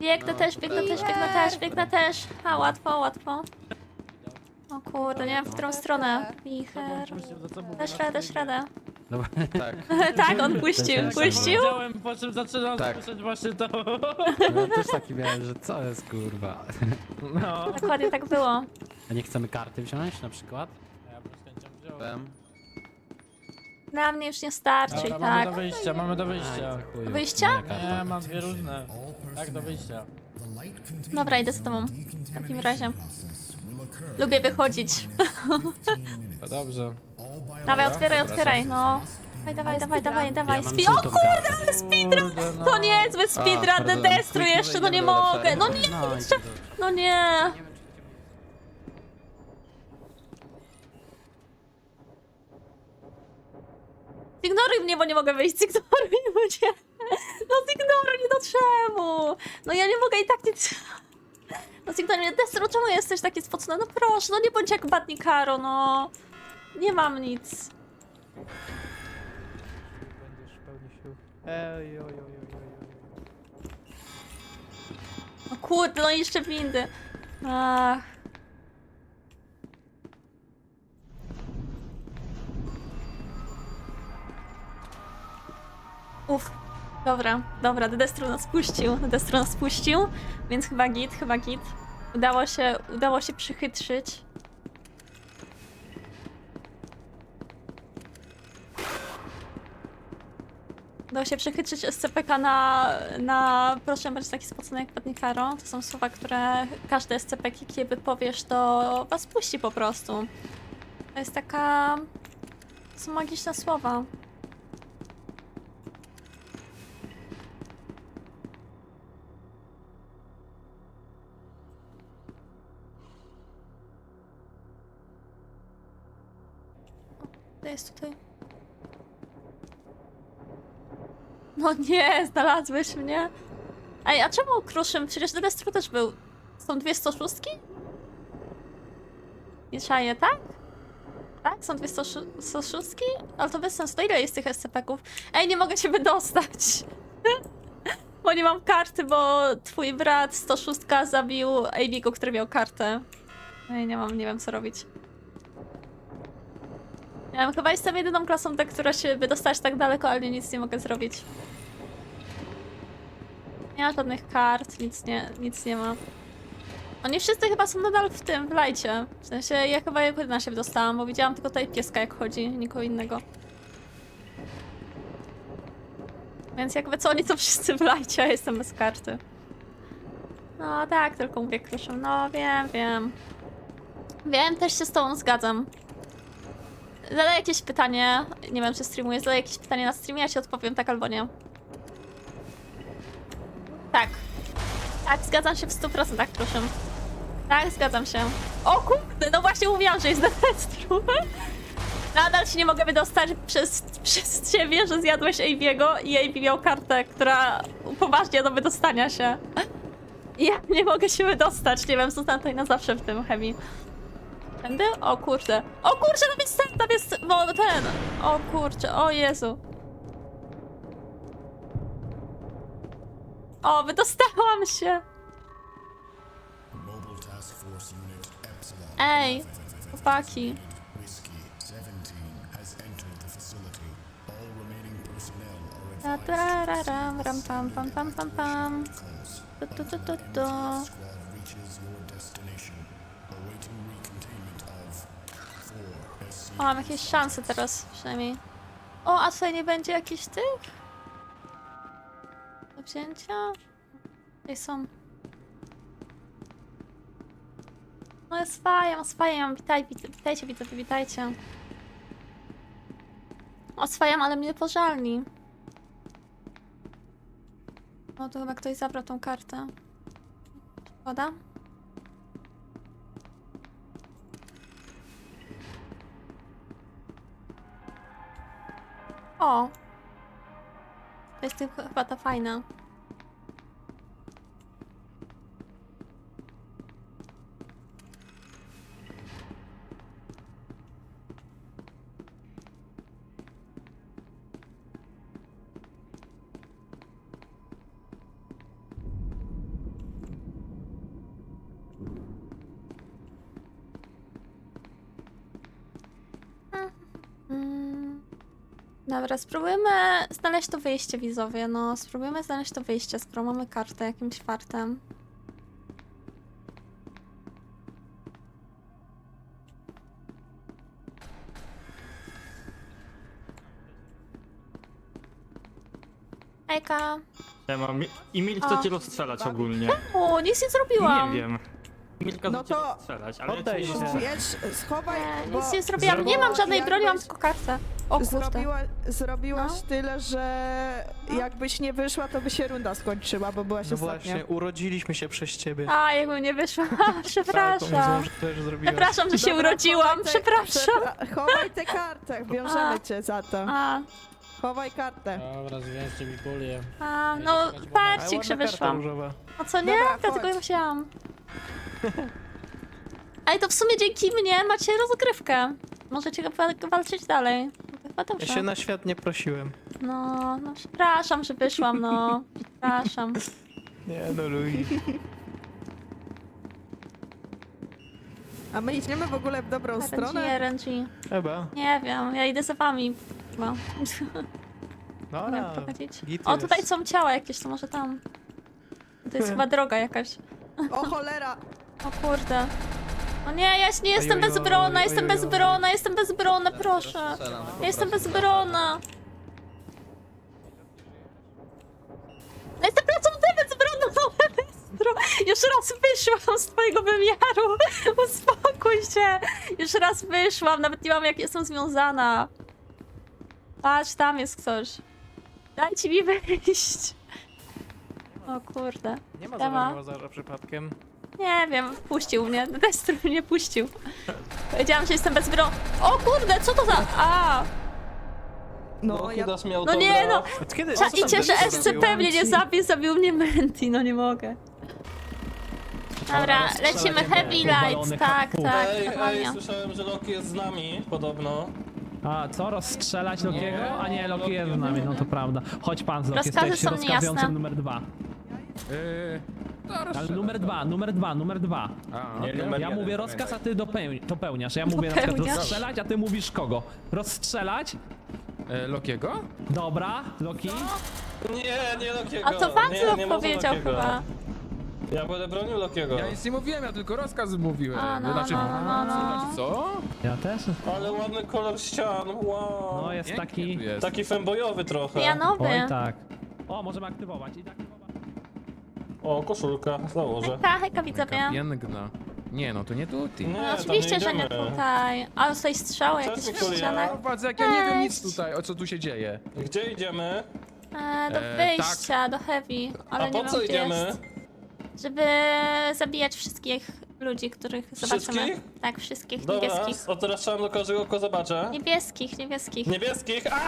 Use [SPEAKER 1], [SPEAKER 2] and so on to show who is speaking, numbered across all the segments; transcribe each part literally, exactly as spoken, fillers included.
[SPEAKER 1] Biegnę
[SPEAKER 2] No,
[SPEAKER 1] też, biegnę też, biegnę też, biegnę też. A, łatwo, łatwo. O kurde, nie wiem w którą stronę. Wicher. Dasz radę, dasz radę.
[SPEAKER 3] Dobra.
[SPEAKER 2] Tak.
[SPEAKER 1] Tak, on puścił,
[SPEAKER 3] Też tak
[SPEAKER 1] puścił.
[SPEAKER 4] Powiedziałem, po czym zaczynam
[SPEAKER 2] Tak.
[SPEAKER 4] słyszeć właśnie to.
[SPEAKER 3] No, ja też taki miałem, że co jest kurwa.
[SPEAKER 4] No.
[SPEAKER 1] Dokładnie tak było.
[SPEAKER 3] A nie chcemy karty wziąć na przykład?
[SPEAKER 4] Ja bym z chęcią wziął.
[SPEAKER 2] Wiem.
[SPEAKER 1] Dla mnie już nie starczy i
[SPEAKER 4] Dobra, mamy
[SPEAKER 1] tak.
[SPEAKER 4] do wyjścia, mamy do
[SPEAKER 3] Aj,
[SPEAKER 4] wyjścia.
[SPEAKER 3] za chuju.
[SPEAKER 1] Wyjścia?
[SPEAKER 3] Moja karta.
[SPEAKER 4] Nie, mam dwie różne. Tak, do wyjścia.
[SPEAKER 1] Dobra, idę z tobą. W takim razie. Lubię wychodzić.
[SPEAKER 4] To dobrze.
[SPEAKER 1] Dawaj, otwieraj, otwieraj, no. Dawaj, dawaj, dawaj, dawaj, dawaj.
[SPEAKER 3] Ja mam
[SPEAKER 1] Spi- o
[SPEAKER 3] żółtą
[SPEAKER 1] kurde,
[SPEAKER 3] kartę.
[SPEAKER 1] ale speedrun!
[SPEAKER 4] Kurde, no.
[SPEAKER 1] To niezły speedrun,
[SPEAKER 2] pardon.
[SPEAKER 1] The Destru jeszcze, no nie
[SPEAKER 2] Idziemy do
[SPEAKER 1] mogę.
[SPEAKER 2] lepszego.
[SPEAKER 1] No nie,
[SPEAKER 3] No, i
[SPEAKER 1] jeszcze.
[SPEAKER 3] to-
[SPEAKER 1] No nie. Zignoruj mnie, bo nie mogę wyjść. Zignoruj mnie. No zignoruj mnie, no czemu? No ja nie mogę i tak nic... No zignoruj mnie. Destru, czemu jesteś taki spocony? No proszę, no nie bądź jak Batni Karo, no. Nie mam nic.
[SPEAKER 4] Będziesz pełny sił. Ej, oj, oj, oj, oj, oj.
[SPEAKER 1] No kurde, no i jeszcze windy. Ach. Uff. Dobra, dobra, Destru nas puścił, Destru nas puścił, więc chyba git, chyba git. Udało się, udało się przychytrzyć. Udało się przechytrzyć S C P K na, na proszę być taki spocony jak Padnie Karo. To są słowa, które każde S C P K, kiedy powiesz, to was puści po prostu. To jest taka... To są magiczne słowa. O, to jest tutaj. No nie, znalazłeś mnie. Ej, a czemu Kruszym? Przecież Destru też był. Są dwie sto szóstki? Nie czaję, tak? Tak? Są dwie sto szóstki? Ale to bez sensu. To ile jest tych S C P-ków? Ej, nie mogę się wydostać. Bo nie mam karty, bo twój brat sto sześć zabił Aviego, który miał kartę. Ej, nie mam, nie wiem co robić. Ja wiem, chyba jestem jedyną klasą, tak, która się wydostać tak daleko, ale nic nie mogę zrobić. Nie ma żadnych kart, nic nie, nic nie ma. Oni wszyscy chyba są nadal w tym, w lajcie. W sensie ja chyba jedyna się wydostałam, bo widziałam tylko tutaj pieska jak chodzi, nikogo innego. Więc jakby co, oni są wszyscy w lajcie, a jestem bez karty. No tak, tylko mówię Kruszem. No wiem, wiem. Wiem, też się z tobą zgadzam. Zadaj jakieś pytanie, nie wiem czy streamuję, zadaj jakieś pytanie na streamie, ja ci odpowiem tak albo nie. Tak. Tak, zgadzam się w stu procentach, proszę. Tak, zgadzam się. O kurde, no właśnie mówiłam, że jest na Destru. Nadal się nie mogę wydostać przez, przez ciebie, że zjadłeś Aviego i Avi miał kartę, która upoważnia do wydostania się. I ja nie mogę się wydostać, nie wiem, zostanę tutaj na zawsze w tym chemii. Tędy? O kurde. O kurczę, tam jest ten, tam jest bo ten. O kurczę, o Jezu. O, wydostałam się. Ej, chłopaki. Ta ta ra ram ram pam pam pam pam pam. Tu tu tu tu tu. O, mam jakieś szanse teraz przynajmniej. O, a tutaj nie będzie jakichś tych? Do wzięcia? Tutaj są. No jest fajnie, oswajam, witaj, wit witajcie, widzowie, witajcie. Oswajam, ale mnie pożalni. O, tu chyba ktoś zabrał tą kartę. Szkoda? O! To jest tylko chyba ta fajna. Dobra, spróbujmy znaleźć to wyjście, widzowie. No, spróbujmy znaleźć to wyjście, skoro mamy kartę jakimś fartem. Ejka.
[SPEAKER 2] Ja mam. I Milk
[SPEAKER 1] O.
[SPEAKER 2] chce cię rozstrzelać ogólnie.
[SPEAKER 1] O, nic nie zrobiłam.
[SPEAKER 2] Nie wiem. Milka
[SPEAKER 5] No
[SPEAKER 2] chce cię
[SPEAKER 5] to
[SPEAKER 2] rozstrzelać, ale
[SPEAKER 4] poddaj
[SPEAKER 2] ja cię
[SPEAKER 4] się.
[SPEAKER 2] nie
[SPEAKER 5] Wiesz, schowaj,
[SPEAKER 1] Nie,
[SPEAKER 5] bo
[SPEAKER 1] nic nie zrobiłam. Nie mam żadnej broni, mam
[SPEAKER 5] jakbyś
[SPEAKER 1] tylko kartę. O kurde.
[SPEAKER 5] Zrobiła, zrobiłaś
[SPEAKER 1] No.
[SPEAKER 5] tyle, że jakbyś nie wyszła, to by się runda skończyła, bo byłaś
[SPEAKER 4] No
[SPEAKER 5] ostatnia.
[SPEAKER 4] właśnie, urodziliśmy się przez ciebie.
[SPEAKER 1] A, jakby nie wyszła.
[SPEAKER 4] Tak,
[SPEAKER 1] Przepraszam.
[SPEAKER 4] pomysłem, że też zrobiłaś.
[SPEAKER 1] Przepraszam, że się
[SPEAKER 5] Dobra,
[SPEAKER 1] urodziłam.
[SPEAKER 5] chowaj te-
[SPEAKER 1] Przepraszam.
[SPEAKER 5] przepra- Chowaj tę kartę, wiążemy
[SPEAKER 1] A.
[SPEAKER 5] cię za to.
[SPEAKER 1] A,
[SPEAKER 5] Chowaj kartę.
[SPEAKER 3] Dobra, zwiążcie mi kulię.
[SPEAKER 1] a, no
[SPEAKER 4] Ale
[SPEAKER 1] parcik, że
[SPEAKER 4] ładna karta
[SPEAKER 1] wyszłam.
[SPEAKER 4] różowa.
[SPEAKER 1] A co nie?
[SPEAKER 5] Dobra,
[SPEAKER 1] Dlatego
[SPEAKER 5] chodź.
[SPEAKER 1] ja musiałam. Ale to w sumie dzięki mnie macie rozgrywkę. Możecie wa- walczyć dalej. To chyba
[SPEAKER 4] Ja
[SPEAKER 1] dobrze.
[SPEAKER 4] się na świat nie prosiłem.
[SPEAKER 1] No, no przepraszam, że wyszłam, no. Przepraszam.
[SPEAKER 4] Nie no, Louis.
[SPEAKER 5] A my idziemy w ogóle w dobrą
[SPEAKER 1] R N G,
[SPEAKER 5] stronę?
[SPEAKER 1] R N G.
[SPEAKER 4] Chyba.
[SPEAKER 1] Nie wiem, ja idę za wami. No. Nie
[SPEAKER 4] Dobra.
[SPEAKER 1] wiem, prowadzić.
[SPEAKER 4] Git
[SPEAKER 1] O, tutaj
[SPEAKER 4] jest.
[SPEAKER 1] są ciała jakieś, to może tam. To jest chyba droga jakaś.
[SPEAKER 5] O cholera!
[SPEAKER 1] O kurde. O nie, ja nie jestem
[SPEAKER 4] Ojojoj,
[SPEAKER 1] bezbronna, jestem
[SPEAKER 4] ojojoj.
[SPEAKER 1] bezbronna, jestem bezbronna, proszę. Ja jestem bezbronna. Ja jestem pracownikiem bezbronną, bezbro- Już raz wyszłam z twojego wymiaru. Uspokój się. Już raz wyszłam, nawet nie mam jak jestem związana. Patrz, tam jest ktoś. Dajcie mi wyjść. O kurde.
[SPEAKER 4] Nie ma
[SPEAKER 1] Siema.
[SPEAKER 4] za Łazarza przypadkiem.
[SPEAKER 1] Nie wiem, puścił mnie. Destru mnie puścił. Powiedziałam, że jestem bezbronna. O kurde, co to za... A!
[SPEAKER 5] No, ja...
[SPEAKER 1] No nie no!
[SPEAKER 4] Od kiedy?
[SPEAKER 1] Cza,
[SPEAKER 4] co tam
[SPEAKER 1] I cieszę,
[SPEAKER 4] Destru
[SPEAKER 1] S C
[SPEAKER 4] zrobił?
[SPEAKER 1] pewnie nie zabił, zabił mnie Menti, no nie mogę. Dobra, lecimy Heavy Lights, tak, tak,
[SPEAKER 6] Ej, ej,
[SPEAKER 1] dokładnie.
[SPEAKER 6] słyszałem, że Loki jest z nami, podobno.
[SPEAKER 7] A, co? Rozstrzelać Lokiego? A nie, Loki jest z nami, no to prawda. Chodź pan z Loki,
[SPEAKER 1] Rozkazy
[SPEAKER 7] jesteś
[SPEAKER 1] są
[SPEAKER 7] rozkazującym
[SPEAKER 1] niejasne.
[SPEAKER 7] numer dwa.
[SPEAKER 8] Yy, to
[SPEAKER 7] Ale
[SPEAKER 8] rozstrzelę
[SPEAKER 7] numer
[SPEAKER 8] to.
[SPEAKER 7] dwa, numer dwa, numer dwa.
[SPEAKER 8] A,
[SPEAKER 6] Nie,
[SPEAKER 8] okej.
[SPEAKER 6] numer
[SPEAKER 7] Ja
[SPEAKER 6] jeden,
[SPEAKER 7] mówię
[SPEAKER 6] pamiętaj.
[SPEAKER 7] rozkaz, a ty dopełni, dopełniasz. Ja mówię na przykład
[SPEAKER 1] Dopełniasz?
[SPEAKER 7] rozstrzelać, a ty mówisz kogo? Rozstrzelać?
[SPEAKER 8] E, Lokiego?
[SPEAKER 7] Dobra, Loki.
[SPEAKER 6] Nie, nie Lokiego.
[SPEAKER 1] A to
[SPEAKER 6] nie,
[SPEAKER 1] Waclaw
[SPEAKER 6] nie można
[SPEAKER 1] powiedział
[SPEAKER 6] Lokiego.
[SPEAKER 1] chyba.
[SPEAKER 6] Ja będę bronił Lokiego.
[SPEAKER 8] Ja nic nie mówiłem, ja tylko rozkaz mówiłem.
[SPEAKER 1] A, no,
[SPEAKER 8] znaczy,
[SPEAKER 1] no, no, no.
[SPEAKER 8] znaczy co?
[SPEAKER 7] Ja też.
[SPEAKER 6] Ale ładny kolor ścian, wow.
[SPEAKER 7] No jest
[SPEAKER 8] Pięknie
[SPEAKER 7] taki...
[SPEAKER 8] tu jest.
[SPEAKER 6] Taki fembojowy trochę.
[SPEAKER 1] Janowy.
[SPEAKER 7] Oj tak. O, możemy aktywować. I tak.
[SPEAKER 6] O, koszulka, założę.
[SPEAKER 1] Hejka, hejka widzowie.
[SPEAKER 8] Taka piękna. Nie no, to nie tutaj.
[SPEAKER 6] Nie,
[SPEAKER 1] No,
[SPEAKER 6] tam
[SPEAKER 1] oczywiście, że nie
[SPEAKER 6] idziemy.
[SPEAKER 1] tutaj. A tutaj strzały
[SPEAKER 6] Cześć,
[SPEAKER 1] jakieś w
[SPEAKER 6] Mikulia.
[SPEAKER 1] ścianach.
[SPEAKER 8] Patrz, jak ja nie wiem nic
[SPEAKER 1] Cześć.
[SPEAKER 8] tutaj, o co tu się dzieje.
[SPEAKER 6] Gdzie idziemy?
[SPEAKER 1] E, do
[SPEAKER 8] E,
[SPEAKER 1] wyjścia, do Heavy. Ale
[SPEAKER 6] A
[SPEAKER 1] nie
[SPEAKER 6] po
[SPEAKER 1] wiem,
[SPEAKER 6] co
[SPEAKER 1] gdzie
[SPEAKER 6] idziemy?
[SPEAKER 1] jest. Żeby zabijać wszystkich ludzi, których zobaczymy.
[SPEAKER 6] Wszystkich?
[SPEAKER 1] Tak, wszystkich
[SPEAKER 6] Dobra,
[SPEAKER 1] niebieskich.
[SPEAKER 6] o teraz strzelam do każdego, kogo zobaczę.
[SPEAKER 1] Niebieskich, niebieskich.
[SPEAKER 6] Niebieskich, a!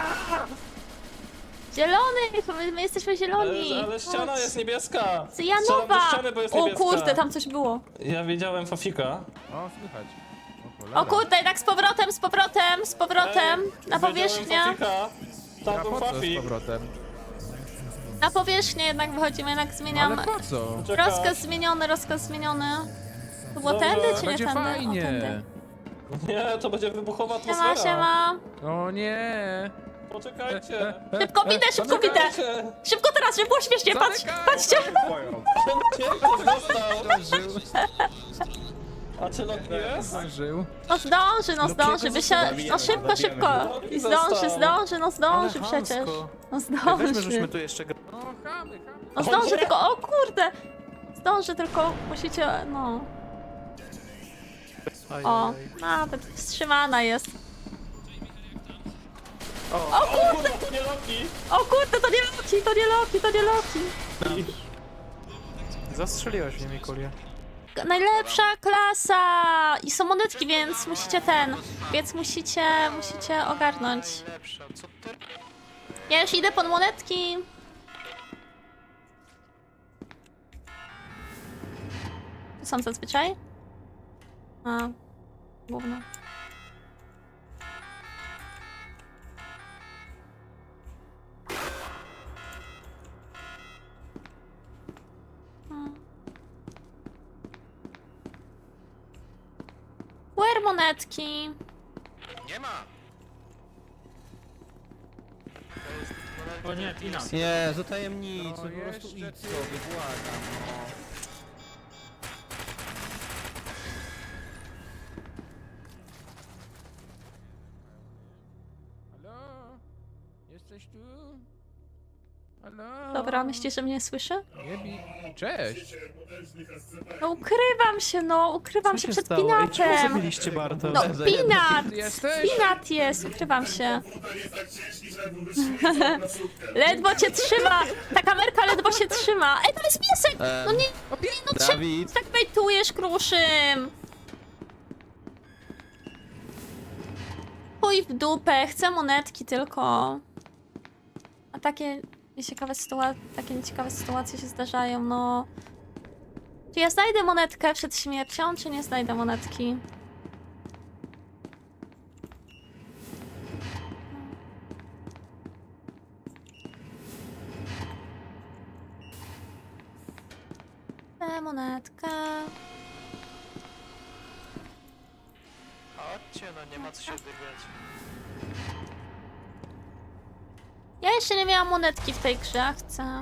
[SPEAKER 1] Zielony! My, my jesteśmy zieloni!
[SPEAKER 6] Ale, ale ściana
[SPEAKER 1] Chodź.
[SPEAKER 6] jest niebieska.
[SPEAKER 1] Z
[SPEAKER 6] Strzelam do
[SPEAKER 1] Janowa!
[SPEAKER 6] ściany, bo jest
[SPEAKER 1] O
[SPEAKER 6] niebieska.
[SPEAKER 1] kurde, tam coś było.
[SPEAKER 6] Ja widziałem Fafika.
[SPEAKER 8] O, słychać. O, cholera.
[SPEAKER 1] O kurde, tak z powrotem, z powrotem, z powrotem.
[SPEAKER 6] Ej,
[SPEAKER 1] Na
[SPEAKER 6] widziałem
[SPEAKER 1] powierzchnię.
[SPEAKER 6] Fafika. Tam
[SPEAKER 8] A
[SPEAKER 6] był
[SPEAKER 8] po co z
[SPEAKER 6] Fafik.
[SPEAKER 8] powrotem?
[SPEAKER 1] Na powierzchnię jednak wychodzimy, jednak zmieniam.
[SPEAKER 8] Ale po co?
[SPEAKER 6] Czekaj.
[SPEAKER 1] Rozkaz zmieniony, rozkaz zmieniony. To było
[SPEAKER 6] Dobra.
[SPEAKER 1] tędy czy nie
[SPEAKER 8] Będzie
[SPEAKER 1] tędy? O,
[SPEAKER 8] fajnie.
[SPEAKER 1] tędy.
[SPEAKER 6] Nie, to będzie wybuchowa
[SPEAKER 1] Siema,
[SPEAKER 6] atmosfera.
[SPEAKER 1] siema.
[SPEAKER 8] O nie.
[SPEAKER 6] Poczekajcie.
[SPEAKER 1] Szybko widzę, szybko widzę.
[SPEAKER 6] Poczekajcie.
[SPEAKER 1] Szybko teraz, żeby było śmiesznie, patrz,
[SPEAKER 8] Zamykaj.
[SPEAKER 1] patrzcie.
[SPEAKER 6] Ktoś dostał.
[SPEAKER 8] Zdążył,
[SPEAKER 6] A czy Loki jest?
[SPEAKER 8] zdążył.
[SPEAKER 1] No zdąży, no zdąży, by się... No szybko, szybko. I zdąży,
[SPEAKER 6] Został.
[SPEAKER 1] zdąży, no zdąży
[SPEAKER 4] Ale
[SPEAKER 1] przecież.
[SPEAKER 4] chamsko.
[SPEAKER 1] No
[SPEAKER 4] Weźmy, żeśmy
[SPEAKER 1] zdąży.
[SPEAKER 4] tu jeszcze... gra-
[SPEAKER 8] O, chamy, chamy.
[SPEAKER 1] No zdąży tylko, o kurde. Zdąży tylko, musicie, no.
[SPEAKER 4] Aj,
[SPEAKER 1] O,
[SPEAKER 4] aj, aj.
[SPEAKER 1] nawet wstrzymana jest.
[SPEAKER 6] O kurde, to nie Loki.
[SPEAKER 1] O kurde, to nie Loki, to nie Loki, to nie Loki.
[SPEAKER 4] Zastrzeliłaś mnie, Mikulia.
[SPEAKER 1] Najlepsza klasa! I są monetki, więc musicie ten, więc musicie, musicie ogarnąć.
[SPEAKER 4] Lepsza, co ty?
[SPEAKER 1] Ja już idę pod monetki. Tu są zazwyczaj? A, gówno. Where monetki?
[SPEAKER 4] Nie ma!
[SPEAKER 2] O nie, Tina.
[SPEAKER 4] Jezu, tajemnicy,
[SPEAKER 8] No
[SPEAKER 4] po prostu
[SPEAKER 8] jeszcze
[SPEAKER 4] idź
[SPEAKER 8] ty.
[SPEAKER 4] sobie, błagam, no.
[SPEAKER 8] Halo? Jesteś tu? Halo?
[SPEAKER 1] Dobra, myślisz, że mnie słyszy?
[SPEAKER 8] Nie bij. Cześć.
[SPEAKER 1] No ukrywam się, no, ukrywam się przed Pinatem.
[SPEAKER 4] Zabiliście Barto?
[SPEAKER 1] No, Pinat!
[SPEAKER 8] Ty jesteś?
[SPEAKER 1] Pinat jest, ukrywam się. Ledwo cię trzyma! Ta kamerka ledwo się trzyma! Ej, to jest piesek! No nie, no czemu
[SPEAKER 4] Dawid,
[SPEAKER 1] tak bejtujesz, Kruszym? Chuj w dupę, chcę monetki tylko. A takie nieciekawe sytuacje, takie nieciekawe sytuacje się zdarzają, no. Czy ja znajdę monetkę przed śmiercią, czy nie znajdę monetki? Tę monetkę.
[SPEAKER 4] chodźcie, no nie ma co się dygać.
[SPEAKER 1] Ja jeszcze nie miałam monetki w tej grze, a chcę.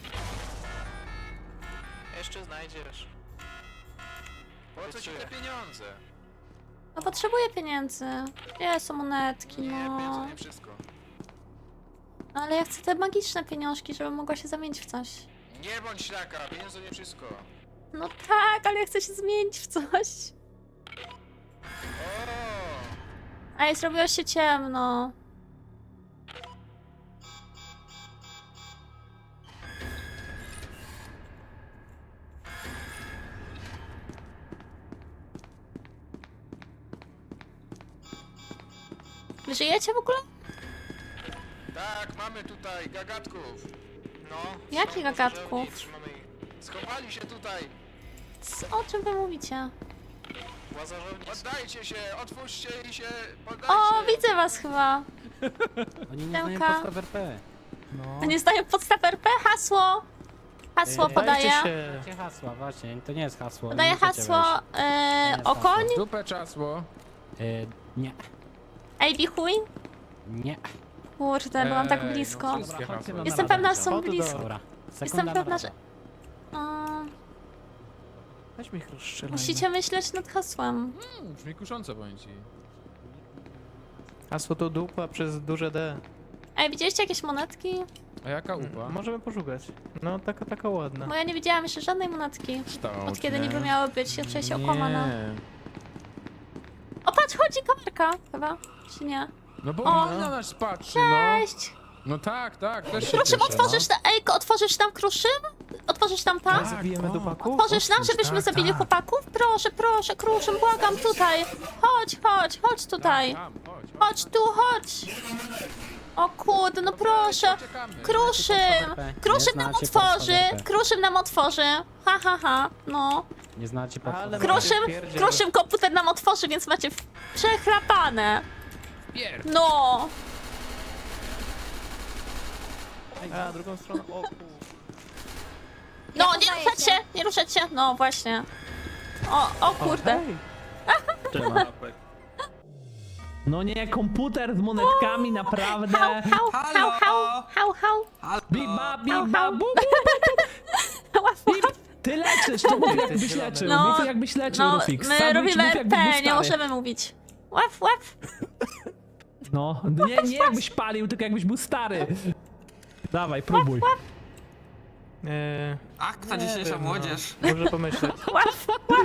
[SPEAKER 4] Jeszcze znajdziesz.
[SPEAKER 8] Po co ci te pieniądze?
[SPEAKER 1] No potrzebuję pieniędzy. Gdzie są monetki,
[SPEAKER 8] Nie,
[SPEAKER 1] no.
[SPEAKER 8] pieniądze nie wszystko.
[SPEAKER 1] No ale ja chcę te magiczne pieniążki, żebym mogła się zamienić w coś.
[SPEAKER 8] Nie bądź ślaka, pieniądze nie wszystko.
[SPEAKER 1] No tak, ale ja chcę się zmienić w coś.
[SPEAKER 8] O!
[SPEAKER 1] Ej, zrobiło się ciemno. Wy żyjecie w ogóle?
[SPEAKER 8] Tak, mamy tutaj gagatków. No.
[SPEAKER 1] Jakich
[SPEAKER 8] są
[SPEAKER 1] gagatków?
[SPEAKER 8] pożarowni, trzymamy ich. Schowali się tutaj.
[SPEAKER 1] C- O czym wy mówicie?
[SPEAKER 8] Oddajcie się, otwórzcie i się poddajcie.
[SPEAKER 1] O, widzę was chyba.
[SPEAKER 3] Oni nie znają
[SPEAKER 1] Siemka.
[SPEAKER 3] podstaw R P.
[SPEAKER 7] No.
[SPEAKER 1] A nie zdają podstaw R P? Hasło. Hasło
[SPEAKER 3] Ej,
[SPEAKER 1] podaję.
[SPEAKER 3] Jakie hasła, właśnie, to nie jest hasło.
[SPEAKER 1] Podaję
[SPEAKER 3] nie możecie
[SPEAKER 1] hasło
[SPEAKER 3] wejść.
[SPEAKER 1] e,
[SPEAKER 3] jest
[SPEAKER 1] okoń.
[SPEAKER 8] Dupę czasło.
[SPEAKER 3] E, nie,
[SPEAKER 1] Ej, bichuj.
[SPEAKER 3] nie.
[SPEAKER 1] Kurde, byłam tak
[SPEAKER 8] Ej, no
[SPEAKER 1] blisko.
[SPEAKER 8] wszystkie hasła.
[SPEAKER 1] Jestem pewna, że są blisko.
[SPEAKER 3] Dobra,
[SPEAKER 1] Jestem
[SPEAKER 3] sekunda
[SPEAKER 1] pewna,
[SPEAKER 3] na
[SPEAKER 1] że...
[SPEAKER 3] radę.
[SPEAKER 1] O,
[SPEAKER 4] Weź mi ich rozstrzelaj.
[SPEAKER 1] musicie myśleć nad hasłem.
[SPEAKER 8] Hmm, brzmi kusząco, powiem ci.
[SPEAKER 4] Hasło to dupa przez duże D.
[SPEAKER 1] Ej, widzieliście jakieś monetki?
[SPEAKER 8] A jaka upa?
[SPEAKER 4] Możemy poszukać. No, taka, taka ładna.
[SPEAKER 1] Bo ja nie widziałam jeszcze żadnej monetki.
[SPEAKER 8] Kształt,
[SPEAKER 1] Od kiedy
[SPEAKER 8] nie?
[SPEAKER 1] niby miało być, ja czuję się okłamana.
[SPEAKER 8] Nie.
[SPEAKER 1] O, patrz, chodzi kamerka chyba, czy nie?
[SPEAKER 8] No bo
[SPEAKER 1] O.
[SPEAKER 8] on na nas patrzy, no.
[SPEAKER 1] Cześć!
[SPEAKER 8] No tak, tak, też się
[SPEAKER 1] Kruszym,
[SPEAKER 8] cieszę,
[SPEAKER 1] otworzysz tam, ej, otworzysz tam Kruszym? Otworzysz tam tam?
[SPEAKER 4] Zabijemy
[SPEAKER 8] o.
[SPEAKER 4] dupaku?
[SPEAKER 1] Otworzysz nam, żebyśmy
[SPEAKER 8] tak,
[SPEAKER 1] zabili
[SPEAKER 8] tak.
[SPEAKER 1] chłopaków? Proszę, proszę, Kruszym, błagam, tutaj. Chodź, chodź, chodź tutaj.
[SPEAKER 8] Tam, chodź, chodź.
[SPEAKER 1] Chodź tu, chodź. O kurde, no proszę.
[SPEAKER 8] Uciekamy.
[SPEAKER 1] Kruszym! Kruszym nam
[SPEAKER 3] znacie podstaw
[SPEAKER 1] otworzy!
[SPEAKER 3] R P.
[SPEAKER 1] Kruszym nam otworzy! Ha, ha, ha, no.
[SPEAKER 3] Nie znacie podstaw
[SPEAKER 4] Ale
[SPEAKER 3] R P.
[SPEAKER 1] Kruszym,
[SPEAKER 4] Pierdziel.
[SPEAKER 1] Kruszym komputer nam otworzy, więc macie w- przechlapane.
[SPEAKER 8] Pier-
[SPEAKER 1] No.
[SPEAKER 4] A, drugą stroną. O, kur...
[SPEAKER 1] No, nie ruszać się, nie ruszać się. No, właśnie. O, o kurde.
[SPEAKER 4] Hej.
[SPEAKER 7] No nie, komputer z monetkami, naprawdę.
[SPEAKER 1] Hał, hał, hał, hał, hał, hał.
[SPEAKER 7] Bip, ba, bip,
[SPEAKER 1] Hał,
[SPEAKER 7] ba,
[SPEAKER 1] hał.
[SPEAKER 7] bu, bu.
[SPEAKER 1] Łap, łap.
[SPEAKER 7] Ty leczysz, to mów jakbyś leczył.
[SPEAKER 1] No,
[SPEAKER 7] Mów jakbyś leczył,
[SPEAKER 1] No,
[SPEAKER 7] Rufix.
[SPEAKER 1] my
[SPEAKER 7] Sandwich
[SPEAKER 1] robimy
[SPEAKER 7] mów, jakbyś był
[SPEAKER 1] R P, nie
[SPEAKER 7] stary.
[SPEAKER 1] możemy mówić. Łap, łap.
[SPEAKER 7] No, nie, nie jakbyś palił, tylko jakbyś był stary. Dawaj, próbuj.
[SPEAKER 4] Eee,
[SPEAKER 9] Ach, ta
[SPEAKER 4] nie
[SPEAKER 9] dzisiejsza
[SPEAKER 4] wiem,
[SPEAKER 9] młodzież.
[SPEAKER 4] No. Może pomyśleć.
[SPEAKER 1] Łap, łap.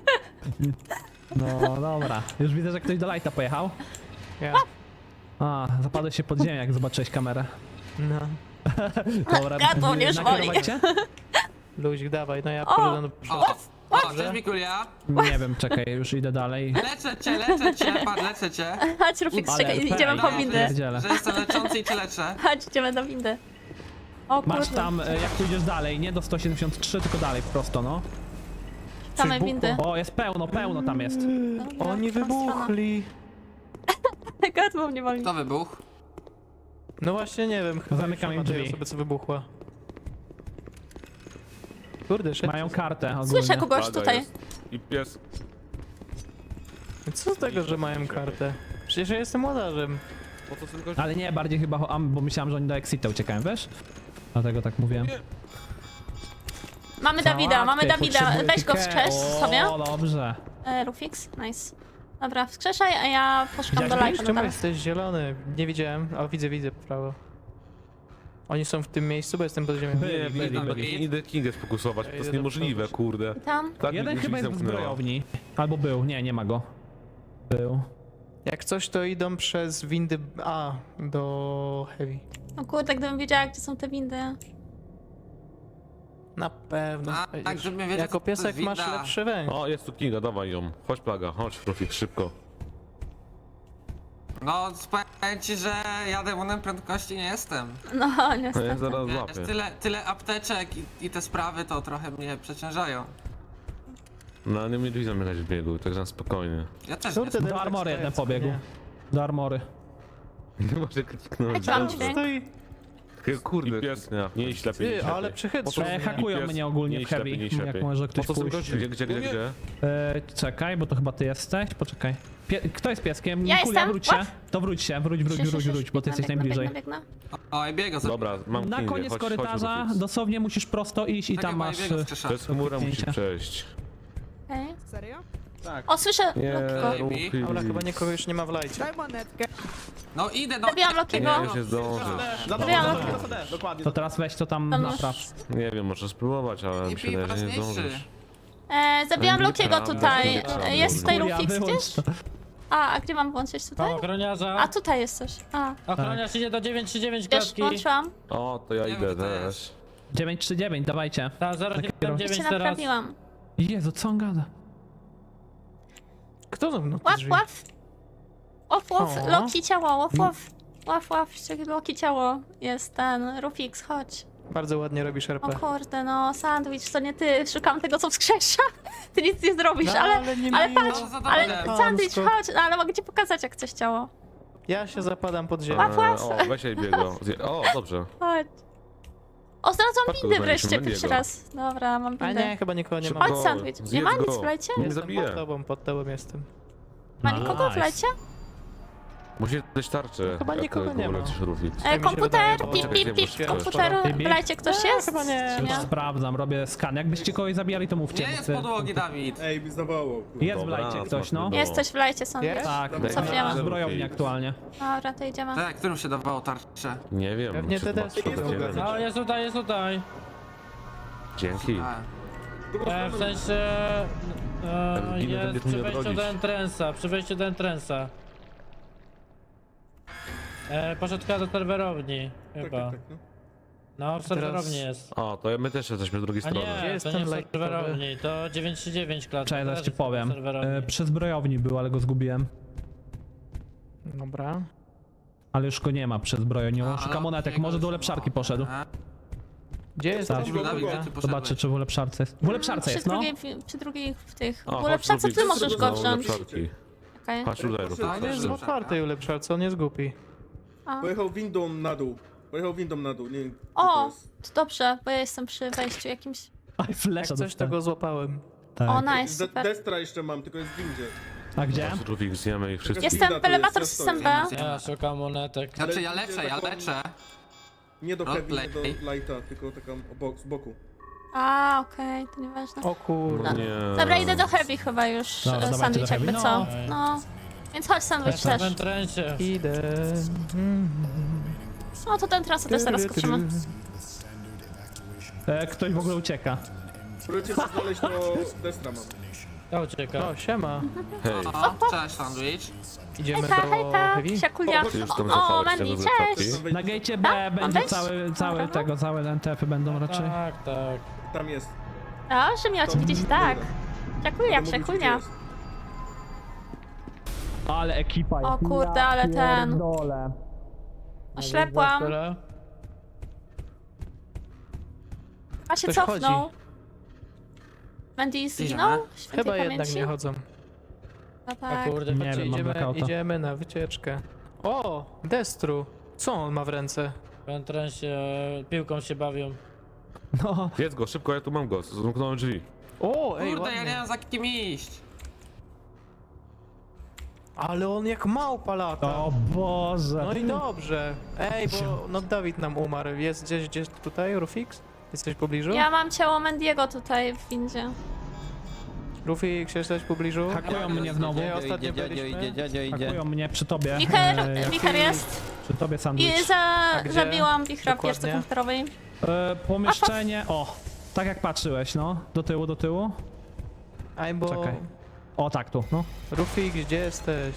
[SPEAKER 7] No dobra, już widzę, że ktoś do lighta pojechał.
[SPEAKER 4] Ja.
[SPEAKER 7] A, zapadłeś się pod ziemię, jak zobaczyłeś kamerę.
[SPEAKER 4] No.
[SPEAKER 7] Dobra,
[SPEAKER 1] Gardło mnie już boli.
[SPEAKER 7] nakierować cię?
[SPEAKER 4] Luzik, dawaj, no ja
[SPEAKER 1] O!
[SPEAKER 4] poszedłem do przodu.
[SPEAKER 9] O, o, cześć Mikulia.
[SPEAKER 7] Nie wiem, czekaj, już idę dalej.
[SPEAKER 9] Leczę cię, leczę cię, patrz, leczę cię.
[SPEAKER 1] Chodź, Rufix,
[SPEAKER 7] Ale
[SPEAKER 1] czekaj,
[SPEAKER 7] R P,
[SPEAKER 1] idziemy po
[SPEAKER 9] no,
[SPEAKER 1] windy.
[SPEAKER 7] pierdzielę.
[SPEAKER 9] Że jestem leczący i cię leczę.
[SPEAKER 1] Chodź, idziemy do windy. O
[SPEAKER 7] Masz
[SPEAKER 1] kurde,
[SPEAKER 7] tam, e, jak pójdziesz dalej, nie do sto siedemdziesiąt trzy, tylko dalej, prosto, no.
[SPEAKER 1] same
[SPEAKER 4] Coś
[SPEAKER 1] windy.
[SPEAKER 7] O, jest pełno, pełno tam jest.
[SPEAKER 1] Dobra,
[SPEAKER 4] Oni
[SPEAKER 1] w którą
[SPEAKER 4] wybuchli.
[SPEAKER 1] stronę? Gardło mnie boli.
[SPEAKER 9] Kto wybuchł?
[SPEAKER 4] No właśnie nie wiem, chyba
[SPEAKER 7] Zamykam im
[SPEAKER 4] już nie ma tej
[SPEAKER 7] drzwi.
[SPEAKER 4] osoby, co wybuchła. Kurde, szedł.
[SPEAKER 7] Mają kartę ogólnie.
[SPEAKER 1] Słyszę kogoś tutaj.
[SPEAKER 6] I pies.
[SPEAKER 4] Co z tego, że mają kartę? Przecież ja jestem łodarzem.
[SPEAKER 10] Po co tylko...
[SPEAKER 7] Ale nie, bardziej chyba, o- am, bo myślałem, że oni do Exita uciekają, wiesz? Dlatego tak mówiłem.
[SPEAKER 1] Mamy Dawida, mamy
[SPEAKER 7] Załatwię,
[SPEAKER 1] Dawida.
[SPEAKER 7] potrzebuję
[SPEAKER 1] Weź go
[SPEAKER 7] pikę.
[SPEAKER 1] wskrzesz sobie.
[SPEAKER 7] O, dobrze.
[SPEAKER 1] E, Rufix, nice. Dobra, wskrzeszaj, a ja poszukam do
[SPEAKER 7] Widziałeś
[SPEAKER 1] lajka.
[SPEAKER 4] Czemu
[SPEAKER 1] nadal.
[SPEAKER 4] jesteś zielony? Nie widziałem. O, widzę, widzę, po prawo. Oni są w tym miejscu, bo jestem pod ziemią.
[SPEAKER 7] Byli, byli, byli.
[SPEAKER 10] Idę Kingę sfokusować, to jest niemożliwe, kurde.
[SPEAKER 1] Tam.
[SPEAKER 10] Tak
[SPEAKER 7] Jeden
[SPEAKER 10] mi
[SPEAKER 7] chyba jest w
[SPEAKER 10] zamknęła.
[SPEAKER 7] zbrojowni. Albo był, nie, nie ma go. Był.
[SPEAKER 4] Jak coś, to idą przez windy A do Heavy.
[SPEAKER 1] No kurde, gdybym wiedziała, gdzie są te windy.
[SPEAKER 4] Na pewno.
[SPEAKER 9] A,
[SPEAKER 4] znajdziesz.
[SPEAKER 9] tak, żeby wiedzieć,
[SPEAKER 4] Jako
[SPEAKER 9] co to
[SPEAKER 4] piesek
[SPEAKER 9] jest
[SPEAKER 4] masz
[SPEAKER 9] winda.
[SPEAKER 4] lepszy węch.
[SPEAKER 10] O, jest tu Kinga, dawaj ją. Chodź plaga, chodź Rufik, szybko.
[SPEAKER 9] No, powiem ci, że ja demonem prędkości nie jestem.
[SPEAKER 1] No,
[SPEAKER 10] Ja
[SPEAKER 1] niestety.
[SPEAKER 10] zaraz
[SPEAKER 9] Wiesz,
[SPEAKER 10] złapię.
[SPEAKER 9] tyle, tyle apteczek i, i te sprawy to trochę mnie przeciążają.
[SPEAKER 10] No nie mieli zamykać w biegu, tak na spokojnie.
[SPEAKER 9] Ja też
[SPEAKER 4] Kurde,
[SPEAKER 9] nie.
[SPEAKER 7] Do armory jeden pobiegł. Do armory.
[SPEAKER 10] Nie może kliknąć.
[SPEAKER 1] Mam
[SPEAKER 10] dobrze.
[SPEAKER 1] dźwięk.
[SPEAKER 4] Stoi.
[SPEAKER 10] Takiego kurde, pies, nie, nie iść lepiej, nie iść
[SPEAKER 4] Ty, ale
[SPEAKER 10] lepiej.
[SPEAKER 4] przychytrzył
[SPEAKER 7] E,
[SPEAKER 4] mnie.
[SPEAKER 7] hakują
[SPEAKER 10] Pies,
[SPEAKER 7] mnie ogólnie
[SPEAKER 10] nie
[SPEAKER 7] w
[SPEAKER 10] iść lepiej, nie
[SPEAKER 7] heavy,
[SPEAKER 10] iść
[SPEAKER 7] jak
[SPEAKER 10] lepiej.
[SPEAKER 7] może ktoś
[SPEAKER 10] Po co są
[SPEAKER 7] pójść.
[SPEAKER 10] goście? Gdzie, gdzie, gdzie, gdzie?
[SPEAKER 7] E, czekaj, bo to chyba ty jesteś. Poczekaj. Pie Kto jest pieskiem?
[SPEAKER 1] Ja
[SPEAKER 7] Kulia,
[SPEAKER 1] jestem.
[SPEAKER 7] wróć się.
[SPEAKER 1] What?
[SPEAKER 7] To wróć się, wróć, wróć,
[SPEAKER 1] Szysz,
[SPEAKER 7] wróć,
[SPEAKER 1] szysz,
[SPEAKER 7] wróć, bo ty
[SPEAKER 1] biegnę,
[SPEAKER 7] jesteś
[SPEAKER 1] biegnę,
[SPEAKER 7] najbliżej.
[SPEAKER 1] biegnę, biegnę.
[SPEAKER 9] Oj, biega za...
[SPEAKER 10] Dobra, mam
[SPEAKER 7] Na
[SPEAKER 10] Kingę,
[SPEAKER 7] koniec
[SPEAKER 10] chodź,
[SPEAKER 7] korytarza
[SPEAKER 10] chodź, Rufik.
[SPEAKER 7] dosłownie musisz prosto iść i
[SPEAKER 9] Tak
[SPEAKER 7] tam
[SPEAKER 9] jak
[SPEAKER 7] masz...
[SPEAKER 9] mojego
[SPEAKER 7] e,
[SPEAKER 9] skrzesza.
[SPEAKER 10] Przez chmurę musisz
[SPEAKER 7] Kliknięcie.
[SPEAKER 10] przejść.
[SPEAKER 1] Okej.
[SPEAKER 5] Serio?
[SPEAKER 1] O, słyszę
[SPEAKER 10] Nie,
[SPEAKER 1] Lokiego.
[SPEAKER 10] Rufik.
[SPEAKER 4] Dobra, chyba nikogo już nie ma w lajcie.
[SPEAKER 5] Daj monetkę.
[SPEAKER 9] No idę, no.
[SPEAKER 1] Zabiłam Lokiego.
[SPEAKER 10] Nie, już nie zdążysz.
[SPEAKER 1] Zabiłam Lokiego.
[SPEAKER 7] To teraz weź to tam
[SPEAKER 1] Tam
[SPEAKER 7] napraw.
[SPEAKER 10] Nie wiem, możesz spróbować, ale mi się
[SPEAKER 9] I
[SPEAKER 10] wydaje, że nie
[SPEAKER 9] ważniejszy.
[SPEAKER 10] zdążysz.
[SPEAKER 1] E, zabijam
[SPEAKER 10] Nie
[SPEAKER 1] Lokiego
[SPEAKER 10] prawda,
[SPEAKER 1] tutaj.
[SPEAKER 10] prawda.
[SPEAKER 1] E, Jest tutaj
[SPEAKER 7] Kulia,
[SPEAKER 1] Rufix
[SPEAKER 7] wyłącz
[SPEAKER 1] gdzieś?
[SPEAKER 7] to.
[SPEAKER 1] A, a gdzie mam włączyć tutaj?
[SPEAKER 2] Ochroniarza.
[SPEAKER 1] A, tutaj jest coś. A,
[SPEAKER 2] Ochroniarz idzie do dziewięć trzy dziewięć
[SPEAKER 1] już
[SPEAKER 2] klatki.
[SPEAKER 1] włączyłam.
[SPEAKER 10] O, to ja
[SPEAKER 9] Nie
[SPEAKER 10] idę
[SPEAKER 9] wiem, to
[SPEAKER 10] też.
[SPEAKER 9] jest.
[SPEAKER 7] dziewięć trzy dziewięć, dawajcie.
[SPEAKER 2] Tak, zero siedem
[SPEAKER 1] Już
[SPEAKER 2] dziewięć
[SPEAKER 1] się
[SPEAKER 2] teraz.
[SPEAKER 1] naprawiłam.
[SPEAKER 7] Jezu, co on gada?
[SPEAKER 4] Kto zamknął te
[SPEAKER 1] Łap,
[SPEAKER 4] drzwi?
[SPEAKER 1] łap. Łap, łap,
[SPEAKER 4] O.
[SPEAKER 1] Loki ciało, łap, łap. Łap, łap, ściągnij Loki ciało. Jest ten, Rufix, chodź.
[SPEAKER 4] Bardzo ładnie robisz R
[SPEAKER 1] O
[SPEAKER 4] P.
[SPEAKER 1] kurde, no, sandwich, to nie ty. Szukam tego, co wskrzesza. Ty nic nie zrobisz,
[SPEAKER 4] No,
[SPEAKER 1] ale...
[SPEAKER 4] ale nie
[SPEAKER 1] Ale
[SPEAKER 4] miło.
[SPEAKER 1] patrz,
[SPEAKER 9] No, za
[SPEAKER 1] ale
[SPEAKER 9] dobre.
[SPEAKER 1] sandwich,
[SPEAKER 4] Chamsko.
[SPEAKER 1] chodź, no, ale mogę ci pokazać, jak coś ciało.
[SPEAKER 4] Ja się zapadam pod ziemię.
[SPEAKER 1] Łap, łap.
[SPEAKER 10] E, O, weź jej biego. Zje- O, dobrze.
[SPEAKER 1] Chodź. O, znalazłam
[SPEAKER 10] Spadku
[SPEAKER 1] windy
[SPEAKER 10] znaleźliśmy
[SPEAKER 1] wreszcie, pierwszy
[SPEAKER 10] Mendiego.
[SPEAKER 1] raz. Dobra, mam
[SPEAKER 4] A
[SPEAKER 1] windę.
[SPEAKER 4] nie, chyba nikogo nie ma.
[SPEAKER 1] Chodź,
[SPEAKER 10] Szybko.
[SPEAKER 1] sandwich. Nie
[SPEAKER 10] Zjedz
[SPEAKER 1] ma nic
[SPEAKER 10] go.
[SPEAKER 1] w lajcie?
[SPEAKER 10] Nie
[SPEAKER 4] Jestem
[SPEAKER 10] zabiję.
[SPEAKER 4] pod tobą, pod tobą jestem.
[SPEAKER 1] Ma nikogo w
[SPEAKER 7] Nice.
[SPEAKER 1] lajcie?
[SPEAKER 10] Musisz dać tarczę.
[SPEAKER 4] Chyba
[SPEAKER 10] jak
[SPEAKER 4] nikogo nie ma.
[SPEAKER 10] lecisz, Rufik.
[SPEAKER 1] E,
[SPEAKER 4] mi się
[SPEAKER 1] komputer,
[SPEAKER 4] wydaje, bo-
[SPEAKER 1] pip, pip, pip,
[SPEAKER 10] Poczekaj,
[SPEAKER 1] komputeru,
[SPEAKER 7] poczekaj.
[SPEAKER 1] w lajcie ktoś jest?
[SPEAKER 4] chyba nie.
[SPEAKER 1] Czy
[SPEAKER 7] Już
[SPEAKER 1] nie?
[SPEAKER 7] sprawdzam, robię skan. Jakbyście kogoś zabijali, to mówcie.
[SPEAKER 9] Nie
[SPEAKER 7] bo
[SPEAKER 9] jest
[SPEAKER 7] chcę-
[SPEAKER 9] podłogi, Dawid.
[SPEAKER 11] Ej, mi zawołał.
[SPEAKER 7] Jest w
[SPEAKER 10] Dobra,
[SPEAKER 7] lajcie ktoś, no.
[SPEAKER 10] smacznego.
[SPEAKER 1] Jesteś w lajcie, sandwich.
[SPEAKER 4] Jest?
[SPEAKER 7] Tak,
[SPEAKER 11] Dobra.
[SPEAKER 1] Cofniemy.
[SPEAKER 7] w zbrojowni aktualnie.
[SPEAKER 1] Dobra, to idziemy.
[SPEAKER 9] Tak, którym się dawało tarczę?
[SPEAKER 10] Nie wiem.
[SPEAKER 4] Pewnie
[SPEAKER 10] czy
[SPEAKER 4] te
[SPEAKER 10] to
[SPEAKER 4] desy
[SPEAKER 10] masz
[SPEAKER 4] są
[SPEAKER 10] powiedzieć.
[SPEAKER 2] No, jest tutaj, jest tutaj.
[SPEAKER 10] Dzięki.
[SPEAKER 9] A,
[SPEAKER 2] E, w sensie... E,
[SPEAKER 10] Ginny
[SPEAKER 2] jest
[SPEAKER 10] będziesz
[SPEAKER 2] przy
[SPEAKER 10] mnie
[SPEAKER 2] wejściu
[SPEAKER 10] bronić.
[SPEAKER 2] do entrance'a, przy wejściu do entrance'a. E, poszedł chyba do serwerowni,
[SPEAKER 11] Tak,
[SPEAKER 2] chyba.
[SPEAKER 11] tak, tak, no.
[SPEAKER 2] No, w serwerowni jest.
[SPEAKER 10] O, to my też jesteśmy z drugiej
[SPEAKER 2] A
[SPEAKER 10] strony.
[SPEAKER 2] nie,
[SPEAKER 4] jest
[SPEAKER 2] to
[SPEAKER 4] ten
[SPEAKER 2] nie w
[SPEAKER 4] lajkowy?
[SPEAKER 2] serwerowni, to dziewięć trzy dziewięć klatka.
[SPEAKER 7] Czekaj, zaraz
[SPEAKER 2] też
[SPEAKER 7] ci
[SPEAKER 2] jest
[SPEAKER 7] powiem.
[SPEAKER 2] w serwerowni.
[SPEAKER 7] E, przy zbrojowni był, ale go zgubiłem.
[SPEAKER 4] Dobra.
[SPEAKER 7] Ale już go nie ma przy zbrojowni.
[SPEAKER 9] a,
[SPEAKER 7] Szuka
[SPEAKER 9] ale
[SPEAKER 7] monetek,
[SPEAKER 9] jego
[SPEAKER 7] może do
[SPEAKER 9] już
[SPEAKER 7] ulepszarki
[SPEAKER 9] ma.
[SPEAKER 7] poszedł.
[SPEAKER 9] A,
[SPEAKER 4] Gdzie jesteś?
[SPEAKER 11] Dobra,
[SPEAKER 9] Dawid,
[SPEAKER 11] dobra.
[SPEAKER 9] gdzie ty
[SPEAKER 7] Zobaczę,
[SPEAKER 9] poszedłeś?
[SPEAKER 7] czy w ulepszarce jest. W ulepszarce
[SPEAKER 1] przy
[SPEAKER 7] jest, no.
[SPEAKER 1] drugiej, przy drugich w tych...
[SPEAKER 10] O,
[SPEAKER 1] W
[SPEAKER 10] chodź,
[SPEAKER 1] ulepszarce
[SPEAKER 10] Rufik,
[SPEAKER 1] ty możesz go
[SPEAKER 10] no,
[SPEAKER 1] wziąć.
[SPEAKER 10] ulepszarki.
[SPEAKER 1] Okej.
[SPEAKER 10] Chodź tutaj, Rufik.
[SPEAKER 4] On jest w otwartej ulepszarce, on jest głupi.
[SPEAKER 1] A.
[SPEAKER 11] Pojechał windą na dół. Pojechał windą na dół, nie wiem. gdzie
[SPEAKER 1] O,
[SPEAKER 11] to jest.
[SPEAKER 1] to dobrze, bo ja jestem przy wejściu jakimś...
[SPEAKER 7] Aj,
[SPEAKER 4] Jak
[SPEAKER 7] flesza
[SPEAKER 4] coś, to go złapałem.
[SPEAKER 7] Tak.
[SPEAKER 1] O, nice,
[SPEAKER 11] De
[SPEAKER 1] super.
[SPEAKER 11] Destra jeszcze mam, tylko jest w windzie.
[SPEAKER 7] A gdzie?
[SPEAKER 10] Chodź, Rufik, zjemy ich wszystkich.
[SPEAKER 1] Jestem
[SPEAKER 11] Winda
[SPEAKER 1] w
[SPEAKER 11] tu jest,
[SPEAKER 1] elevator
[SPEAKER 11] ja
[SPEAKER 1] system
[SPEAKER 11] stoję.
[SPEAKER 1] B.
[SPEAKER 2] Ja szukam monetek.
[SPEAKER 9] Znaczy ja
[SPEAKER 11] Ale
[SPEAKER 9] leczę,
[SPEAKER 11] widzę
[SPEAKER 9] ja
[SPEAKER 11] taką-
[SPEAKER 9] leczę.
[SPEAKER 11] Nie do heavy, nie
[SPEAKER 9] Roleplay.
[SPEAKER 11] do lighta, tylko taką obok, z boku.
[SPEAKER 1] A, okej, to nieważne.
[SPEAKER 4] O kurde.
[SPEAKER 10] No nie.
[SPEAKER 1] Dobra, idę do heavy chyba już,
[SPEAKER 7] Dobra,
[SPEAKER 1] e,
[SPEAKER 7] dawajcie
[SPEAKER 1] sandwich
[SPEAKER 7] do heavy.
[SPEAKER 1] jakby co.
[SPEAKER 2] No.
[SPEAKER 1] No. Więc chodź sandwich
[SPEAKER 2] Jestem
[SPEAKER 1] też.
[SPEAKER 2] w entrance'ie.
[SPEAKER 4] Idę. Mm.
[SPEAKER 1] No to ten trasę też zaraz skoczymy.
[SPEAKER 7] E, ktoś w ogóle ucieka.
[SPEAKER 11] Próbujcie coś znaleźć, to Destra mam.
[SPEAKER 2] To ucieka.
[SPEAKER 4] O, siema.
[SPEAKER 10] Hej,
[SPEAKER 9] O, cześć, sandwich.
[SPEAKER 4] Idziemy
[SPEAKER 1] Hejka,
[SPEAKER 4] do
[SPEAKER 1] hejka,
[SPEAKER 4] Heavy?
[SPEAKER 1] siakulia.
[SPEAKER 10] ty już tam
[SPEAKER 1] O,
[SPEAKER 10] zapałeś
[SPEAKER 1] Mandy,
[SPEAKER 10] tego z
[SPEAKER 1] cześć!
[SPEAKER 10] ulepszarki?
[SPEAKER 7] Na gatecie B będzie
[SPEAKER 1] wejść?
[SPEAKER 7] cały, cały
[SPEAKER 1] Dobra.
[SPEAKER 7] tego, całe N T F-y będą raczej.
[SPEAKER 2] Tak, tak.
[SPEAKER 11] Tam jest.
[SPEAKER 1] Proszę mnie oczywiście, tak. Siakulia,
[SPEAKER 11] Mówię ci, gdzie
[SPEAKER 1] siakulia.
[SPEAKER 11] jest.
[SPEAKER 7] Ale ekipa jest.
[SPEAKER 1] O kurde, ale ten.
[SPEAKER 7] Pierdolę.
[SPEAKER 1] Oślepłam.
[SPEAKER 2] Tyle.
[SPEAKER 1] A się
[SPEAKER 4] Ktoś
[SPEAKER 1] cofnął. Mandy zginął? Świętej
[SPEAKER 4] Chyba jednak
[SPEAKER 1] pamięci?
[SPEAKER 4] nie chodzą.
[SPEAKER 1] No
[SPEAKER 2] A
[SPEAKER 1] tak.
[SPEAKER 2] kurde,
[SPEAKER 7] Nie
[SPEAKER 2] patrzcie,
[SPEAKER 7] wiem, mam
[SPEAKER 4] Idziemy,
[SPEAKER 7] blackouta.
[SPEAKER 4] idziemy na wycieczkę. O, Destru. Co on ma w ręce?
[SPEAKER 2] w entrance'ie e, piłką się bawią.
[SPEAKER 7] No.
[SPEAKER 10] Jedz go, szybko, ja tu mam go. Zamknąłem drzwi.
[SPEAKER 4] O, ej,
[SPEAKER 9] Kurde, ja
[SPEAKER 4] ładnie.
[SPEAKER 9] nie wiem za kim iść.
[SPEAKER 4] Ale on jak małpa lata.
[SPEAKER 7] O Boże.
[SPEAKER 4] No i dobrze. Ej, bo no Dawid nam umarł. Jest gdzieś, gdzieś tutaj, Rufix? Jesteś w pobliżu?
[SPEAKER 1] Ja mam ciało Mendiego tutaj w windzie.
[SPEAKER 4] Rufix, jesteś w pobliżu?
[SPEAKER 7] Hakują mnie znowu.
[SPEAKER 4] Nie, ostatnio byliśmy.
[SPEAKER 7] Hakują mnie przy tobie.
[SPEAKER 1] Wicher,
[SPEAKER 7] E, jak-
[SPEAKER 1] wicher jest.
[SPEAKER 7] Przy tobie
[SPEAKER 1] I
[SPEAKER 7] sandwich.
[SPEAKER 1] za,
[SPEAKER 4] gdzie?
[SPEAKER 1] zabiłam wichra w wieżce
[SPEAKER 4] Dokładnie.
[SPEAKER 1] komputerowej.
[SPEAKER 7] E, pomieszczenie, o, tak jak patrzyłeś, no. Do tyłu, do tyłu.
[SPEAKER 4] Aj, bo...
[SPEAKER 7] Czekaj. O, tak tu, no.
[SPEAKER 4] Rufix, gdzie jesteś?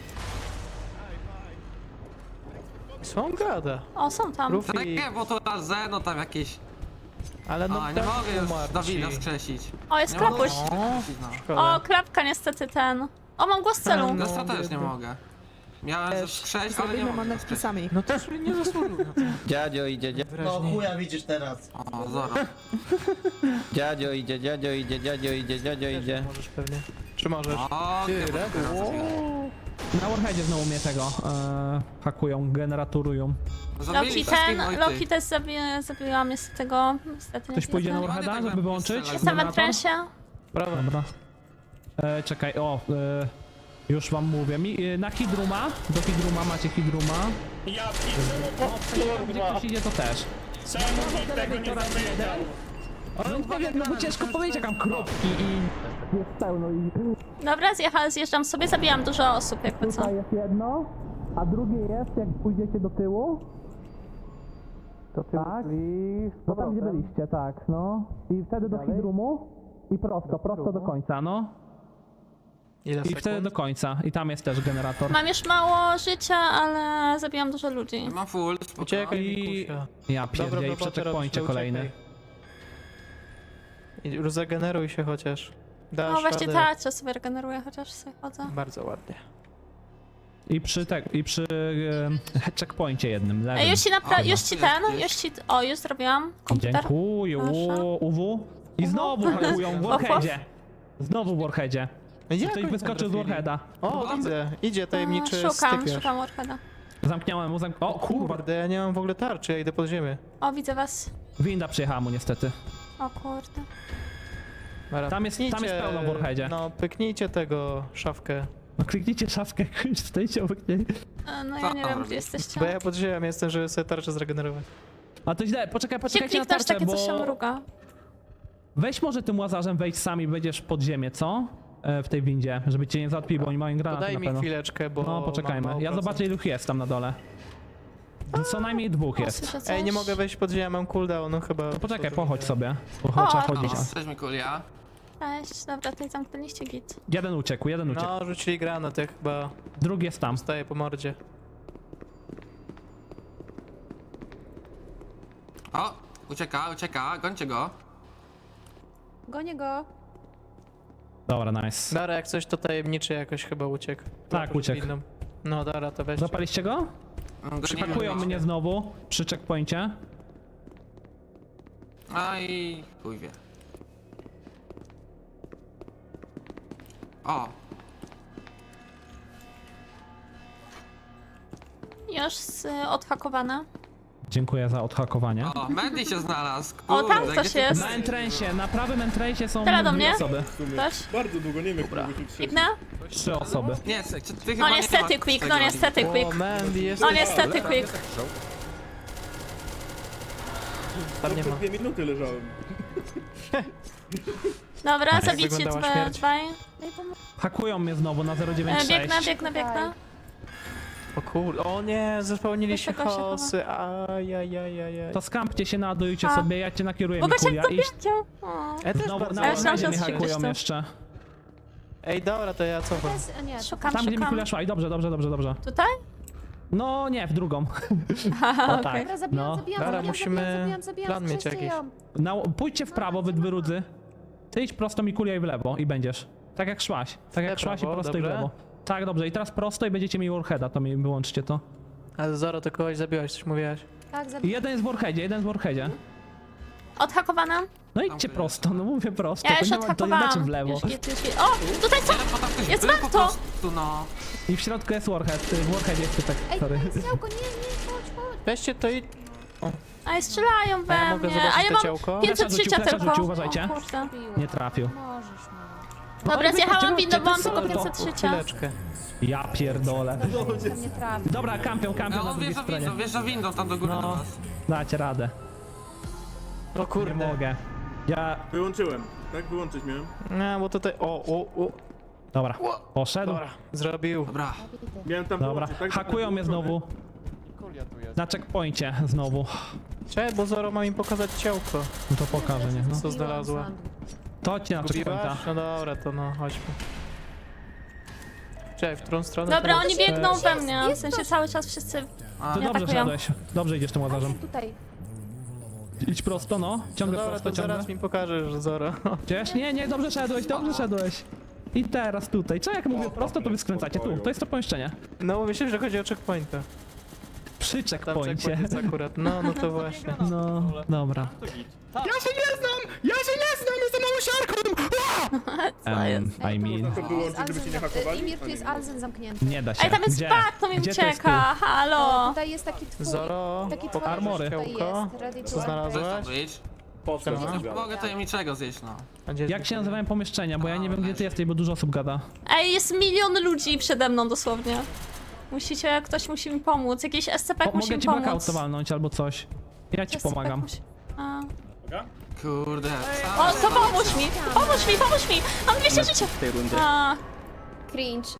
[SPEAKER 4] Co on gada?
[SPEAKER 1] O, są tam.
[SPEAKER 4] Rufix,
[SPEAKER 9] Takie, bo to na Zeno tam jakieś...
[SPEAKER 4] ale no
[SPEAKER 9] A, nie
[SPEAKER 4] Dawid
[SPEAKER 9] mogę już
[SPEAKER 4] umarł
[SPEAKER 9] Dawida
[SPEAKER 4] ci.
[SPEAKER 9] skrzesić.
[SPEAKER 1] O, jest
[SPEAKER 9] Nie mogę
[SPEAKER 1] klapuś.
[SPEAKER 9] już skrzesić, no.
[SPEAKER 4] Szkoda.
[SPEAKER 1] O, klapka niestety ten. O, mam głos celu.
[SPEAKER 4] No,
[SPEAKER 9] Zresztą też nie
[SPEAKER 4] biedny.
[SPEAKER 9] mogę. Miałem
[SPEAKER 5] Też.
[SPEAKER 9] skrzesić, ale nie
[SPEAKER 5] Zrobimy
[SPEAKER 9] mogę
[SPEAKER 5] manewki
[SPEAKER 9] skrzesić.
[SPEAKER 5] sami.
[SPEAKER 4] No też nie zasłużył na to.
[SPEAKER 8] Dziadzio idzie, dzia...
[SPEAKER 4] No
[SPEAKER 9] chuja widzisz teraz. O, zoro.
[SPEAKER 8] dziadzio idzie, dziadzio idzie, dziadzio idzie, dziadzio idzie.
[SPEAKER 4] Możesz pewnie. Czy możesz?
[SPEAKER 9] O,
[SPEAKER 4] Ty,
[SPEAKER 9] chyba
[SPEAKER 4] Red?
[SPEAKER 9] teraz
[SPEAKER 4] Wow.
[SPEAKER 9] zrobię.
[SPEAKER 7] Na Warheadzie znowu mnie tego e, hakują, generatują.
[SPEAKER 9] Zabili
[SPEAKER 1] Loki
[SPEAKER 9] wszystkich
[SPEAKER 1] ten,
[SPEAKER 9] moich
[SPEAKER 1] Loki
[SPEAKER 9] tych.
[SPEAKER 1] też zabi zabiłam niestety tego. Niestety nie
[SPEAKER 7] Ktoś pójdzie na
[SPEAKER 1] zjadłem.
[SPEAKER 7] Warheada,
[SPEAKER 9] Ładnie tak
[SPEAKER 7] żeby
[SPEAKER 9] bym
[SPEAKER 7] wyłączyć?
[SPEAKER 9] strzelał.
[SPEAKER 1] Jestem w
[SPEAKER 7] generator?
[SPEAKER 1] entrensie.
[SPEAKER 4] Prawo.
[SPEAKER 7] Dobra. E, czekaj, o, e, już wam mówię. Mi, e, na Hidruma, do Hidruma macie Hidruma.
[SPEAKER 6] Ja piszę,
[SPEAKER 7] Gdzie ktoś idzie, to też.
[SPEAKER 6] czemu nikt tego nie zapytał?
[SPEAKER 7] Ale nie wiem, no bo ciężko powiedzieć, jak mam kropki i jest pełno i
[SPEAKER 1] Dobra, zjechałam, zjeżdżam sobie, zabijam dużo osób, jakby co.
[SPEAKER 7] tutaj jest jedno, a drugie jest, jak pójdziecie do tyłu.
[SPEAKER 4] To ty
[SPEAKER 7] Tak. No tam gdzie byliście, tak, no. I wtedy do Hidrumu i prosto, prosto do końca, no.
[SPEAKER 4] Ile
[SPEAKER 7] I wtedy
[SPEAKER 4] sekund?
[SPEAKER 7] do końca. I tam jest też generator.
[SPEAKER 1] Mam już mało życia, ale zabijam dużo ludzi.
[SPEAKER 9] Mam full, spoko.
[SPEAKER 4] Uciekaj,
[SPEAKER 7] I...
[SPEAKER 4] Mikusia.
[SPEAKER 7] Ja
[SPEAKER 4] Dobra,
[SPEAKER 7] pierdzielę, i
[SPEAKER 4] robotę
[SPEAKER 7] w checkpoincie
[SPEAKER 4] robisz,
[SPEAKER 7] kolejny.
[SPEAKER 4] uciekaj. I już zageneruj się chociaż. Dasz
[SPEAKER 1] No właśnie
[SPEAKER 4] radę.
[SPEAKER 1] tak, czas sobie regeneruję, chociaż sobie chodzę.
[SPEAKER 4] Bardzo ładnie.
[SPEAKER 7] I przy, tak, i przy e, checkpoincie jednym, lewym.
[SPEAKER 1] Ej, już ci napra-
[SPEAKER 9] O,
[SPEAKER 1] już
[SPEAKER 9] no,
[SPEAKER 1] ci
[SPEAKER 9] jest
[SPEAKER 1] ten,
[SPEAKER 9] gdzieś.
[SPEAKER 1] już ci, o, już zrobiłam komputer.
[SPEAKER 7] Dziękuję,
[SPEAKER 1] Proszę.
[SPEAKER 7] u, U W. I znowu hakują w Warheadzie. Znowu w Warheadzie.
[SPEAKER 4] Jak
[SPEAKER 7] Ktoś
[SPEAKER 4] oni
[SPEAKER 7] wyskoczył z
[SPEAKER 4] trafili?
[SPEAKER 7] Warheada.
[SPEAKER 4] O, widzę. Idzie tajemniczy
[SPEAKER 1] A, Szukam,
[SPEAKER 4] stypiarz.
[SPEAKER 1] szukam Warheada.
[SPEAKER 7] Zamknąłem mu, zamk... O kurwa,
[SPEAKER 4] Kurde, ja nie mam w ogóle tarczy, ja idę pod ziemię.
[SPEAKER 1] O, widzę was.
[SPEAKER 7] winda przyjechała mu niestety.
[SPEAKER 1] O kurde.
[SPEAKER 4] Dobra,
[SPEAKER 7] Tam jest- tam jest
[SPEAKER 4] pyknijcie,
[SPEAKER 7] pełno w Warheadzie.
[SPEAKER 4] No, pyknijcie tego szafkę.
[SPEAKER 7] No kliknijcie szafkę, stoicie obok niej.
[SPEAKER 1] E, No
[SPEAKER 9] Co
[SPEAKER 1] ja nie
[SPEAKER 9] tam
[SPEAKER 1] wiem,
[SPEAKER 9] robisz?
[SPEAKER 1] gdzie jesteście.
[SPEAKER 4] Bo ja pod ziemią jestem, żeby sobie tarczę zregenerować.
[SPEAKER 7] A to źle, poczekaj,
[SPEAKER 1] Gdzie
[SPEAKER 7] poczekajcie na
[SPEAKER 1] kliknąć,
[SPEAKER 7] tarczę,
[SPEAKER 1] takie coś się
[SPEAKER 7] bo...
[SPEAKER 1] mruga.
[SPEAKER 7] Weź może tym łazarzem, wejdź sami, będziesz pod ziemię, co? E, w tej windzie, żeby cię nie załatwili, bo oni mają
[SPEAKER 4] To
[SPEAKER 7] granaty
[SPEAKER 4] daj
[SPEAKER 7] na
[SPEAKER 4] mi
[SPEAKER 7] pewno.
[SPEAKER 4] chwileczkę, bo
[SPEAKER 7] No
[SPEAKER 4] mam
[SPEAKER 7] poczekajmy,
[SPEAKER 4] mało
[SPEAKER 7] ja
[SPEAKER 4] procent.
[SPEAKER 7] zobaczę ilu jest tam na dole. Co najmniej dwóch
[SPEAKER 1] O,
[SPEAKER 7] jest.
[SPEAKER 1] słyszę coś.
[SPEAKER 4] Ej, nie mogę wejść pod ziemię, mam cooldown, no chyba...
[SPEAKER 7] To poczekaj,
[SPEAKER 4] co to
[SPEAKER 7] pochodź
[SPEAKER 4] widzę.
[SPEAKER 7] sobie. Bo trzeba
[SPEAKER 1] O,
[SPEAKER 7] chodzić.
[SPEAKER 9] O, cześć Mikulia.
[SPEAKER 1] Cześć, dobra, tutaj zamknęliście git.
[SPEAKER 7] Jeden uciekł, jeden uciekł.
[SPEAKER 4] No, rzucili granat, ja chyba
[SPEAKER 7] Drugi jest tam.
[SPEAKER 4] staję po mordzie.
[SPEAKER 9] O, ucieka, ucieka, gońcie go.
[SPEAKER 1] Gonię go.
[SPEAKER 7] Dobra, nice.
[SPEAKER 4] Dara, jak coś to tajemniczy jakoś chyba uciekł.
[SPEAKER 7] Tak,
[SPEAKER 4] Proszę
[SPEAKER 7] uciekł.
[SPEAKER 4] winną. No, Dara, to weź.
[SPEAKER 7] Zapaliście go?
[SPEAKER 9] Mm,
[SPEAKER 7] Hakują
[SPEAKER 9] gonimy.
[SPEAKER 7] mnie znowu przy checkpoincie.
[SPEAKER 9] A i chuj wie. O,
[SPEAKER 1] Już z, odhakowane.
[SPEAKER 7] Dziękuję za odhakowanie.
[SPEAKER 9] o, Mandy się znalazł.
[SPEAKER 1] O,
[SPEAKER 9] Kurde,
[SPEAKER 1] tam
[SPEAKER 9] gdzie
[SPEAKER 1] ktoś
[SPEAKER 9] ty-
[SPEAKER 1] jest.
[SPEAKER 7] Na entrensie, na prawym entrensie są
[SPEAKER 1] Teraz do
[SPEAKER 7] dwie
[SPEAKER 1] mnie?
[SPEAKER 7] osoby.
[SPEAKER 11] W sumie.
[SPEAKER 1] Ktoś?
[SPEAKER 11] Bardzo długo, nie wiem, jak to się krzyczeć.
[SPEAKER 1] Biegnę?
[SPEAKER 7] Trzy osoby.
[SPEAKER 9] Nie, ty, ty chyba
[SPEAKER 1] No
[SPEAKER 9] nie
[SPEAKER 1] niestety
[SPEAKER 9] masz
[SPEAKER 1] quick,
[SPEAKER 9] tego
[SPEAKER 1] no niestety
[SPEAKER 4] O,
[SPEAKER 1] quick.
[SPEAKER 4] Mandy, jest...
[SPEAKER 1] No niestety quick.
[SPEAKER 4] Tam nie
[SPEAKER 11] Po
[SPEAKER 4] ma.
[SPEAKER 11] dwie minuty leżałem.
[SPEAKER 1] Dobra,
[SPEAKER 4] Jak
[SPEAKER 1] zabicie
[SPEAKER 4] wyglądała
[SPEAKER 1] dwa,
[SPEAKER 4] śmierć?
[SPEAKER 1] dwaj.
[SPEAKER 7] Hakują mnie znowu na zero
[SPEAKER 1] E,
[SPEAKER 7] dziewięć
[SPEAKER 1] Biegnę,
[SPEAKER 7] sześć.
[SPEAKER 1] biegnę, biegnę.
[SPEAKER 4] O kurde, o nie, zespełnili się
[SPEAKER 1] Wysoko się
[SPEAKER 4] chaosy, ajajajajaj.
[SPEAKER 7] To skampcie się, naładujcie
[SPEAKER 1] A.
[SPEAKER 7] sobie, ja cię nakieruję,
[SPEAKER 1] Bo go się
[SPEAKER 7] Mikulia. I
[SPEAKER 1] zabiecie. O.
[SPEAKER 4] Ja też
[SPEAKER 7] znowu
[SPEAKER 4] bardzo...
[SPEAKER 7] na
[SPEAKER 1] Ja myślałam,
[SPEAKER 7] Warheadzie
[SPEAKER 1] że
[SPEAKER 7] mnie
[SPEAKER 1] strzelisz
[SPEAKER 7] hakują
[SPEAKER 1] to.
[SPEAKER 7] jeszcze.
[SPEAKER 4] Ej, dobra, to ja cofam.
[SPEAKER 1] Szukam,
[SPEAKER 7] Tam, gdzie
[SPEAKER 1] szukam.
[SPEAKER 7] Mikulia szła i dobrze, dobrze, dobrze, dobrze.
[SPEAKER 1] Tutaj?
[SPEAKER 7] No nie, w drugą.
[SPEAKER 1] Haha,
[SPEAKER 7] O
[SPEAKER 1] okej.
[SPEAKER 7] tak, no.
[SPEAKER 4] Dobra, musimy plan mieć jakiś.
[SPEAKER 7] Na, pójdźcie w prawo, wy wyrudzy. Ty idź prosto Mikulia i w lewo i będziesz. Tak jak szłaś. Tak jak
[SPEAKER 4] W
[SPEAKER 7] szłaś i
[SPEAKER 4] prawo,
[SPEAKER 7] prosto i w
[SPEAKER 4] dobrze.
[SPEAKER 7] lewo. Tak, dobrze. I teraz prosto i będziecie mieli Warheada, to mi wyłączcie to.
[SPEAKER 4] Ale Zoro, ty kogoś zabiłaś, coś mówiłaś.
[SPEAKER 7] I jeden jest w Warheadzie, jeden jest w Warheadzie.
[SPEAKER 1] Odhakowana?
[SPEAKER 7] No idźcie prosto, no mówię prosto.
[SPEAKER 1] Ja
[SPEAKER 7] to
[SPEAKER 1] już
[SPEAKER 7] nie ma, to nie znaczy w
[SPEAKER 1] odhakowałam.
[SPEAKER 7] lewo.
[SPEAKER 1] Już git, już git. O, tutaj co?
[SPEAKER 9] Ale potem ktoś
[SPEAKER 1] Jest
[SPEAKER 9] był po
[SPEAKER 1] warto.
[SPEAKER 9] prostu, no.
[SPEAKER 7] I w środku jest Warhead, y, w Warheadzie jest typek, sorry.
[SPEAKER 4] Weźcie to i...
[SPEAKER 1] Ej, strzelają
[SPEAKER 4] A ja
[SPEAKER 1] we
[SPEAKER 4] mogę
[SPEAKER 1] mnie.
[SPEAKER 4] zobaczyć
[SPEAKER 1] A ja
[SPEAKER 4] to
[SPEAKER 1] mam
[SPEAKER 4] ciałko?
[SPEAKER 1] pięćset
[SPEAKER 7] Flesza rzucił,
[SPEAKER 1] życia
[SPEAKER 7] flesza
[SPEAKER 1] tylko.
[SPEAKER 7] rzucił, uważajcie.
[SPEAKER 1] O kurde.
[SPEAKER 7] Nie trafił.
[SPEAKER 1] Dobra, zjechałam windą, bo mam tylko
[SPEAKER 7] to?
[SPEAKER 1] pięćset życia.
[SPEAKER 4] Chwileczkę.
[SPEAKER 7] Ja pierdolę.
[SPEAKER 12] Nie trafi.
[SPEAKER 7] Dobra, kampią, kampią
[SPEAKER 9] No
[SPEAKER 7] na
[SPEAKER 9] on
[SPEAKER 7] drugiej
[SPEAKER 9] wjeżdża
[SPEAKER 7] stronie.
[SPEAKER 9] windą, wjeżdża windą tam do góry
[SPEAKER 7] No.
[SPEAKER 9] do was.
[SPEAKER 7] Dacie radę.
[SPEAKER 4] O
[SPEAKER 7] Nie
[SPEAKER 4] kurde.
[SPEAKER 7] mogę. Ja...
[SPEAKER 11] Wyłączyłem. Tak, wyłączyć miałem.
[SPEAKER 4] No, bo tutaj, o, o, o.
[SPEAKER 7] Dobra, poszedł.
[SPEAKER 4] Dobra, zrobił.
[SPEAKER 9] Dobra.
[SPEAKER 11] Miałem tam
[SPEAKER 7] Dobra,
[SPEAKER 11] wyłączyć, tak?
[SPEAKER 7] hakują mnie znowu. Na checkpoincie znowu.
[SPEAKER 4] Cześć, bo Zoro ma mi pokazać ciałko.
[SPEAKER 7] No to pokażę, nie? No.
[SPEAKER 4] Co znalazła?
[SPEAKER 7] To ci na checkpointa.
[SPEAKER 4] Gubiłaś? No dobra, to no, chodźmy. Cześć, w którą stronę?
[SPEAKER 1] Dobra,
[SPEAKER 4] teraz?
[SPEAKER 1] oni biegną
[SPEAKER 7] Cześć.
[SPEAKER 1] we mnie, w sensie cały czas wszyscy...
[SPEAKER 9] A,
[SPEAKER 7] To
[SPEAKER 1] Nie
[SPEAKER 7] dobrze
[SPEAKER 1] atakują.
[SPEAKER 7] szedłeś. Dobrze idziesz tym łazarzem.
[SPEAKER 12] Tutaj.
[SPEAKER 7] Idź prosto, no.
[SPEAKER 4] No
[SPEAKER 7] Ciągle
[SPEAKER 4] dobra,
[SPEAKER 7] prosto,
[SPEAKER 4] to
[SPEAKER 7] ciągle.
[SPEAKER 4] zaraz mi pokażesz, Zoro.
[SPEAKER 7] Gdzieś? Nie, nie, dobrze szedłeś, dobrze szedłeś. I teraz tutaj. Co jak mówię prosto, to wy skręcacie. Tu, to jest to pomieszczenie.
[SPEAKER 4] No, myślę, że chodzi o checkpointa.
[SPEAKER 7] Przy
[SPEAKER 4] Tam
[SPEAKER 7] checkpoincie.
[SPEAKER 4] checkpoint jest akurat. No, no to właśnie.
[SPEAKER 7] No, dobra.
[SPEAKER 6] Ja się nie znam! Ja się nie znam! Jestem małysiarką!
[SPEAKER 1] Co jest?
[SPEAKER 7] Um, I mean...
[SPEAKER 11] To wyłączyć, żeby cię nie hakowali?
[SPEAKER 12] Imir, tu jest Alzen zamknięty.
[SPEAKER 7] Nie da się.
[SPEAKER 1] Ej, tam jest
[SPEAKER 7] Gdzie?
[SPEAKER 1] bug, to mi
[SPEAKER 7] Gdzie to jest
[SPEAKER 1] ucieka, halo!
[SPEAKER 12] Tutaj jest taki twór.
[SPEAKER 4] Zoro,
[SPEAKER 12] Taki
[SPEAKER 4] pokaż
[SPEAKER 7] armory.
[SPEAKER 12] tutaj
[SPEAKER 4] ciałko.
[SPEAKER 12] jest. Ready to
[SPEAKER 4] Co znalazłeś?
[SPEAKER 9] Chcesz to wyjść?
[SPEAKER 11] Po co?
[SPEAKER 4] Siema.
[SPEAKER 11] to
[SPEAKER 9] Mogę tajemniczego zjeść, no.
[SPEAKER 4] A gdzie jest
[SPEAKER 7] Jak się nazywają pomieszczenia, bo ja nie wiem gdzie ty jesteś, bo dużo osób gada.
[SPEAKER 1] Ej, jest milion ludzi przede mną dosłownie. Musicie, ktoś musi mi pomóc, jakiś S C P
[SPEAKER 7] Po,
[SPEAKER 1] musi
[SPEAKER 7] mogę
[SPEAKER 1] mi
[SPEAKER 7] ci blackout
[SPEAKER 1] pomóc.
[SPEAKER 7] walnąć albo coś. Ja ci
[SPEAKER 1] S C P
[SPEAKER 7] pomagam.
[SPEAKER 1] musi- A.
[SPEAKER 9] Kurde.
[SPEAKER 1] O, to pomóż mi! Pomóż mi, pomóż mi! Mam dwieście życia! A.
[SPEAKER 12] Cringe.